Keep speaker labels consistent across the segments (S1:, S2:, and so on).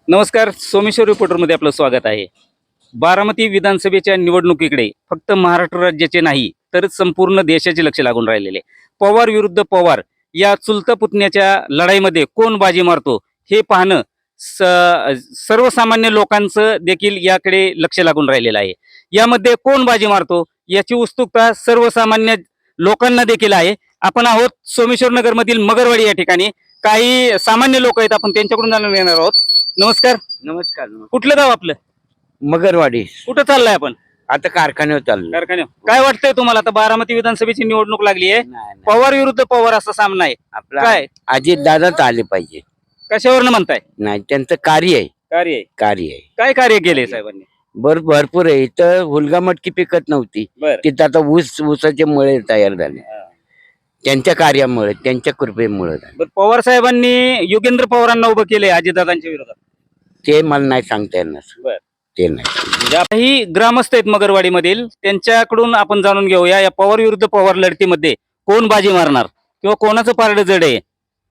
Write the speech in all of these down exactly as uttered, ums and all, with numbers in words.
S1: नमस्कार, सोमेश्वर रिपोर्टरमध्ये आपलं स्वागत आहे. बारामती विधानसभेच्या निवडणुकीकडे फक्त महाराष्ट्र राज्याचे नाही तर संपूर्ण देशाचे लक्ष लागून राहिलेले. पवार विरुद्ध पवार या चुलता पुतण्याच्या लढाईमध्ये कोण बाजी मारतो हे पाहणं स सर्वसामान्य लोकांचं देखील याकडे लक्ष लागून राहिलेलं आहे. यामध्ये कोण बाजी मारतो याची उत्सुकता सर्वसामान्य लोकांना देखील आहे. आपण आहोत सोमेश्वर नगरमधील मगरवाडी या ठिकाणी. काही सामान्य लोक आहेत, आपण त्यांच्याकडून जाणून घेणार आहोत. नमस्कार.
S2: नमस्कार.
S1: कुठलं गाव आपलं?
S2: मगरवाडी.
S1: कुठं चाललाय आपण?
S2: आता कारखान्यावर चाललो.
S1: कारखान्यावर. काय वाटतंय तुम्हाला? आता बारामती विधानसभेची निवडणूक लागली आहे,
S2: नाही, नाही.
S1: पवार विरुद्ध पवार असा सामना आहे.
S2: आपला
S1: काय
S2: अजित दादाच आले पाहिजे.
S1: कशावरनं म्हणताय?
S2: नाही, त्यांचं कार्य आहे.
S1: कार्य आहे.
S2: कार्य आहे
S1: काय कार्य केले साहेबांनी?
S2: बर भरपूर आहे. इथं हुलगा मटकी पिकत नव्हती,
S1: बर
S2: तिथं आता ऊस ऊसाचे मळे तयार झाले. त्यांच्या कार्यामुळे, त्यांच्या कृपेमुळे झाले.
S1: बर, पवार साहेबांनी योगेंद्र पवारांना उभं केले अजितदादांच्या विरोधात.
S2: ते मला नाही सांगता येणार.
S1: बर.
S2: ते नाही.
S1: ज्या काही ग्रामस्थ आहेत मगरवाडी मधील, त्यांच्याकडून आपण जाणून घेऊया या पवार विरुद्ध पवार लढतीमध्ये कोण बाजी मारणार किंवा कोणाचं पारड जड आहे.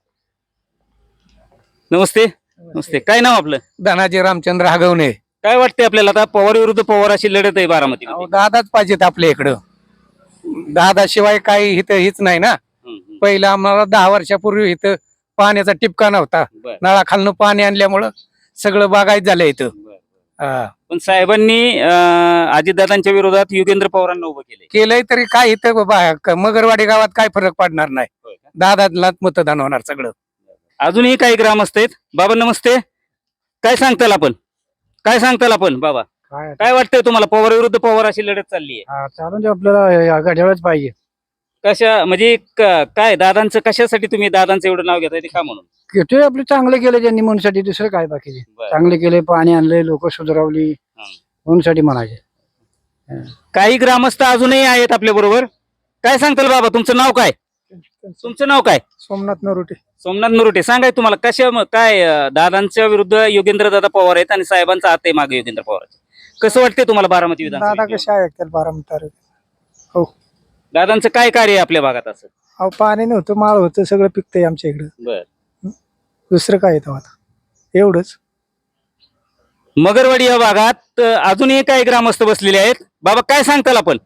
S1: नमस्ते. नमस्ते. काय नाव आपलं?
S3: धनाजी रामचंद्र हगवणे.
S1: काय वाटतंय आपल्याला? आता पवार विरुद्ध पवार अशी लढत आहे बारामती.
S3: अहो, दादाच पाहिजेत आपल्या इकडं. दादा शिवाय काही इथं हीच नाही ना. पहिलं आम्हाला दहा वर्षापूर्वी इथं पाण्याचा टिपका नव्हता. नळाखालनं पाणी आणल्यामुळं सगळं बागायत झालं इथं. हा.
S1: पण साहेबांनी अजितदादांच्या विरोधात योगेंद्र पवारांना उभं केले.
S3: केलंय तरी काय इथं बाबा क- मगरवाडी गावात काय फरक पडणार नाही. दादाला मतदान होणार सगळं.
S1: अजूनही काही ग्रामस्थ आहेत. बाबा नमस्ते. काय सांगताल आपण? काय सांगताल आपण बाबा?
S3: काय
S1: काय वाटतंय तुम्हाला? पवार विरुद्ध पवार अशी लढत चालली आहे.
S3: चालून आपल्याला घड्याळच पाहिजे.
S1: कशा म्हणजे क- काय दादांचं कशासाठी तुम्ही दादांचं एवढं नाव घेताय ते का म्हणून?
S3: ते आपलं चांगलं केलं त्यांनी म्हणूनसाठी, दुसरं काय बाकीचे.
S1: बरं.
S3: चांगले केले, पाणी आणले, लोक सुधारवली म्हणूनसाठी म्हणायचे.
S1: काही ग्रामस्थ अजूनही आहेत आपल्या बरोबर. काय सांगताल बाबा? तुमचं नाव काय? तुमचं नाव काय?
S3: सोमनाथ नरोटे.
S1: सोमनाथ नरोटे. सांगाय तुम्हाला कशा म- काय अं, दादांच्या विरुद्ध योगेंद्र दादा पवार आहेत आणि साहेबांचा हात आहे मागे योगेंद्र पवार. कसं वाटतंय तुम्हाला बारामती
S3: दादा
S1: विधानसभा?
S3: कसे ऐकतात बारामती तालुक्यात? हो.
S1: दादांचं काय कार्य आहे आपल्या भागात असं?
S3: अहो, पाणी नव्हतं, माळ होतं, सगळं पिकतंय आमच्या इकडं.
S1: बर.
S3: दुसरं काय येतं आता? एवढंच.
S1: मगरवाडी या भागात अं, अजूनही काही ग्रामस्थ बसलेले आहेत. बाबा काय सांगताल आपण?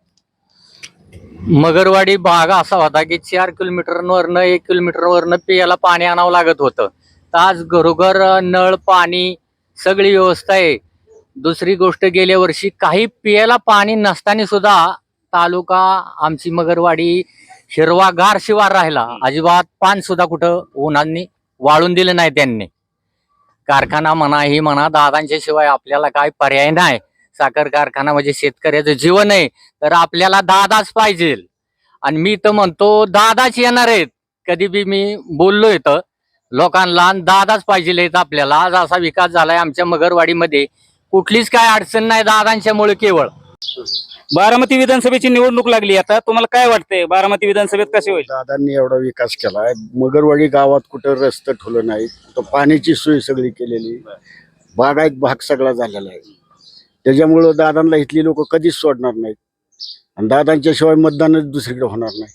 S4: मगरवाडी भाग असा होता की चार किलोमीटर वरनं एक किलोमीटर वरनं पियाला पाणी आणावं लागत होतं. तर आज घरोघर नळ पाणी सगळी व्यवस्था आहे. दुसरी गोष्ट, गेल्या वर्षी काही पियाला पाणी नसताना सुद्धा तालुका आमची मगरवाडी हिरवागार शिवार राहिला. अजिबात पान सुद्धा कुठं उन्हांनी वाळून दिलं नाही त्यांनी. कारखाना म्हणा, ही म्हणा, दादांच्या शिवाय आपल्याला काय पर्याय नाही. साखर कारखाना म्हणजे शेतकऱ्याचं जीवन आहे, तर आपल्याला दादाच पाहिजे. आणि मी तर म्हणतो दादाच येणार आहेत. कधी बी मी बोललो इथं लोकांना, दादाच पाहिजे आपल्याला. आज असा विकास झालाय आमच्या मगरवाडीमध्ये, कुठलीच काय अडचण नाही दादांच्यामुळे केवळ.
S1: बारामती विधानसभेची निवडणूक लागली. आता तुम्हाला काय वाटतंय बारामती विधानसभेत कसे होईल?
S5: दादांनी एवढा विकास केलाय. मगरवाडी गावात कुठं रस्ते ठुलं नाही, कुठं पाण्याची सोय सगळी केलेली, बागायत भाग सगळा झालेला आहे. त्याच्यामुळं दादांना इथली लोक कधीच सोडणार नाहीत आणि दादांच्या शिवाय मतदानच दुसरीकडे होणार नाही.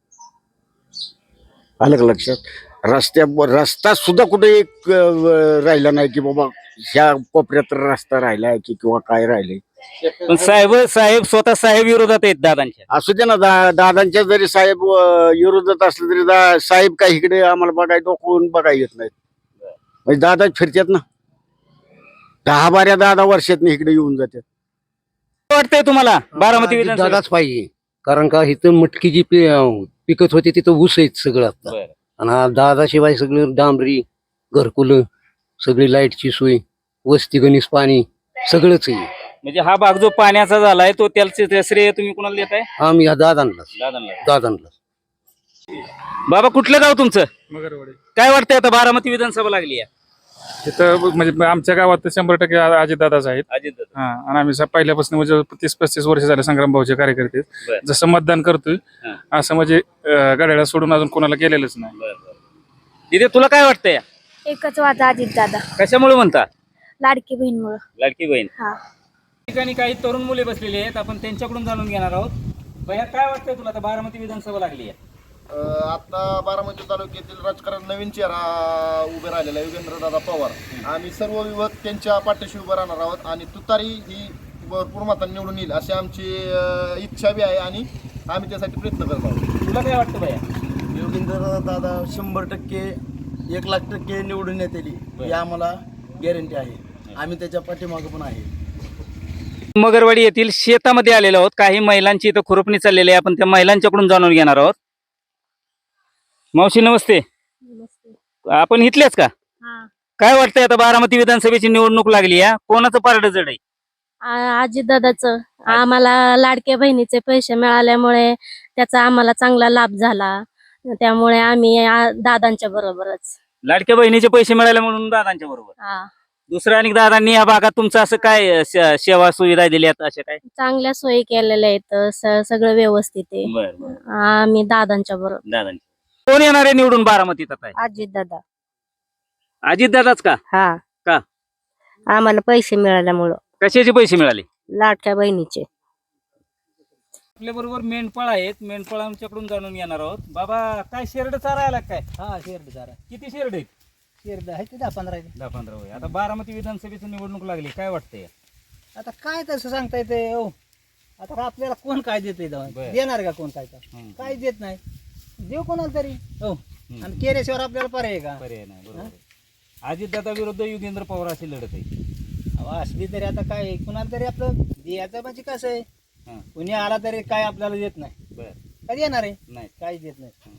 S5: आलं का लक्षात? रस्त्या रस्ता सुद्धा कुठे एक अं, राहिला नाही की बाबा ह्या कोपऱ्यात रस्ता राहिलाय की किंवा काय राहिले.
S1: पण साहेब साहेब स्वतः साहेब विरोधात आहेत दादांच्या.
S5: असू दे ना, दा दादांच्या जरी साहेब अं, विरोधात असलं तरी दा साहेब काय इकडे आम्हाला बघाय डोकवून बघाय येत नाहीत. म्हणजे दादा फिरतात ना, दहा बाऱ्या दादा वर्षात इकडे येऊन जातात.
S1: काय वाटतंय तुम्हाला बारामती विधानसभेत?
S6: दादाच पाहिजे, कारण का इथं मटकी जी पि- अं, पिकत होती तिथं ऊस आहेत सगळं आता.
S1: बरं.
S6: आणि हा दादाशिवाय सगळं डांबरी, घरकुलं, सगळी लाईटची सोय, वस्ती गणेश पाणी सगळंच आहे.
S1: म्हणजे हा भाग जो पाण्याचा झालाय तो त्याचे श्रेय तुम्ही कुणाला देताय?
S6: आम्ही ह्या दादांनाच
S1: दादांना.
S6: दादांनाच.
S1: बाबा कुठलं गाव तुमचं?
S7: मगरवाडी.
S1: काय वाटतंय आता बारामती विधानसभा लागली आहे?
S7: तिथं म्हणजे आमच्या गावात तर शंभर टक्के अजितदादाच आहेत.
S1: अजित
S7: हा, आणि आम्ही स- पहिल्यापासून म्हणजे तीस पस्तीस वर्ष झाले संग्राम भाऊचे कार्यकर्ते आहेत.
S1: बरं.
S7: जसं मतदान करतोय
S1: हा.
S7: असं म्हणजे अं, गाड्याला सोडून अजून कोणाला केलेलंच नाही.
S1: दिदे तुला काय वाटतंय?
S8: एकच वादा अजित दादा,
S1: कशामुळे म्हणता?
S8: लाडकी बहीण मुळे.
S1: लाडकी बहीण.
S8: हा.
S1: ठिकाणी काही तरुण मुले बसलेले आहेत, आपण त्यांच्याकडून जाणून घेणार आहोत. भैया काय वाटतंय तुला? आता बारामती विधानसभा लागली आहे.
S9: अ, आता बारामती तालुक्यातील राजकारण नवीन चेहरा उभे राहिलेला आहे योगेंद्रदादा पवार. आम्ही सर्व विभाग त्यांच्या पाठीशी उभं राहणार आहोत आणि तुतारी ही भरपूर मतांनी निवडून येईल अशी आमची अ, इच्छा बी आहे आणि आम्ही त्यासाठी प्रयत्न करत आहोत.
S1: तुला काय वाटतं भैया?
S10: योगेंद्रदादा शंभर टक्के एक लाख टक्के निवडून येतील ही आम्हाला गॅरंटी आहे. आम्ही त्याच्या पाठीमागं पण आहे.
S1: मगरवाडी येथील शेतामध्ये आलेलो आहोत. काही महिलांची इथं खुरपणी चाललेली आहे. आपण त्या महिलांच्याकडून जाणून घेणार आहोत. मावशी नमस्ते. आपण इथलेच का? काय वाटतंय आता बारामती विधानसभेची निवडणूक लागली आहे, कोणाचं पारडं जड आहे?
S8: आजी दादाचं आम्हाला लाडक्या बहिणीचे पैसे मिळाल्यामुळे त्याचा आम्हाला चांगला लाभ झाला. त्यामुळे आम्ही आ- दादांच्या बरोबरच.
S1: लाडक्या बहिणीचे पैसे मिळाले म्हणून दादांच्या बरोबर.
S8: हा,
S1: दुसऱ्या आणि दादांनी या भागात तुमचं असं काय अ, स- सेवा सुविधा दिल्यात अशा काय?
S8: चांगल्या सोयी केलेल्या आहेत. स- सगळं व्यवस्थित आहे.
S1: बरं बरं.
S8: आम्ही दादांच्या बरोबर.
S1: दादांची कोण येणार आहे निवडून बारामतीत आता?
S8: आजी दादा.
S1: अजित दादाच का?
S8: हा,
S1: का?
S8: आम्हाला पैसे मिळाल्यामुळं
S1: कशाचे पैसे मिळाले?
S8: लाडक्या बहिणीचे.
S1: आपल्या बरोबर मेंढपाळ आहेत. मेंढपाळांच्याकडून जाणून घेणार आहोत. बाबा काय शेरड चारायला काय?
S3: हा शेरड चारा
S1: किती शेरड आहेत?
S3: शेरड आहे ते दहा पंधरा.
S1: दहा पंधरा होय. आता बारामती विधानसभेची निवडणूक लागली, काय वाटतंय?
S3: आता काय तसं सांगता येते हो. आता आपल्याला कोण काय देते
S1: बरं.
S3: देणार का कोण काय का
S1: हम्म.
S3: काय देत नाही. देव कोणाला तरी हो.
S1: हम्म.
S3: आणि केल्याशिवाय आपल्याला पर्याय आहे का?
S1: पर्याय नाही. बरोबर. अजित दादा विरुद्ध योगेंद्र पवार अशी लढत आहे.
S3: अहो, असली तरी आता काय कुणाला तरी आपलं द्यायचं म्हणजे कसं आहे,
S1: हा.
S3: कुणी आला तरी काय आपल्याला देत नाही.
S1: बर
S3: काय देणार आहे?
S1: नाही.
S3: काहीच देत नाही.